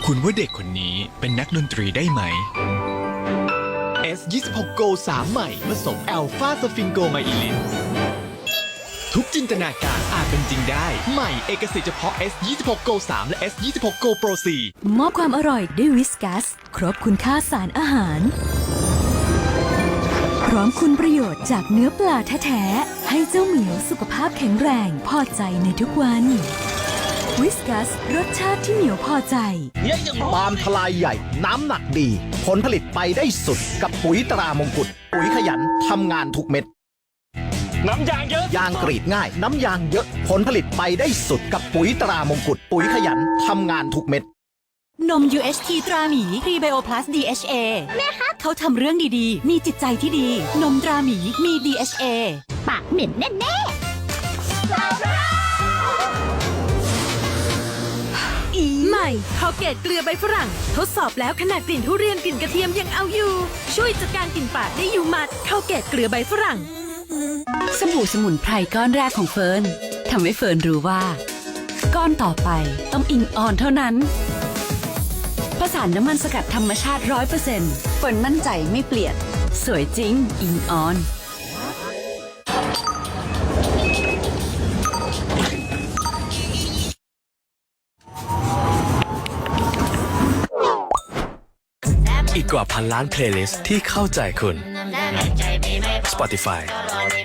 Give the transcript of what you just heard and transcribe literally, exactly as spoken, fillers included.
คุณว่าเด็กคนนี้เป็นนักดนตรีได้ไหม เอส ยี่สิบหก Go สามใหม่ผสมแอลฟาสฟิงโกไมอิลินทุกจินตนาการอาจเป็นจริงได้ใหม่เอกสิทธิ์เฉพาะ เอส ยี่สิบหก Go สาม และ เอส ยี่สิบหก Go Pro สี่มอบความอร่อยด้วยวิสกัส ครบคุณค่าสารอาหาร พร้อมคุณประโยชน์จากเนื้อปลาแท้ๆ ให้เจ้าเหมียวสุขภาพแข็งแรงพอใจในทุกวันวิสกัสรสชาติที่เหมียวพอใจปาล์มทลายใหญ่น้ำหนักดี ผลผลิตไปได้สุดกับปุ๋ยตรามงกุฎปุ๋ยขยันทำงานทุกเม็ดน้ำยางเยอะยางกรีดง่าย น้ำยางเยอะ ผลผลิตไปได้สุดกับปุ๋ยตรามงกุฎปุ๋ยขยันทำงานทุกเม็ดนม ยู เอช ที ตราหมีพรีไบโอพลัส ดี เอช เอ แม่คะเขาทำเรื่องดีๆ มีจิตใจที่ดี นมตราหมีมี ดี เอช เอปากเหม็นแน่ๆใหม่คอลเกตเกลือใบฝรั่ง ทดสอบแล้วขนาดกลิ่นทุเรียนกลิ่นกระเทียมยังเอาอยู่ ช่วยจัดการกลิ่นปากได้อยู่หมัดคอลเกตเกลือใบฝรั่งสบู่สมุนไพรก้อนแรกของเฟิร์นทำให้เฟิร์นรู้ว่า ก้อนต่อไปต้องอิงออนเท่านั้นผสานน้ำมันสกัดธรรมชาติ ร้อยเปอร์เซ็นต์ เฟิร์นมั่นใจไม่เปลี่ยน สวยจริงอิงออนอีกกว่าพันล้านเพลย์ลิสต์ที่เข้าใจคุณ Spotify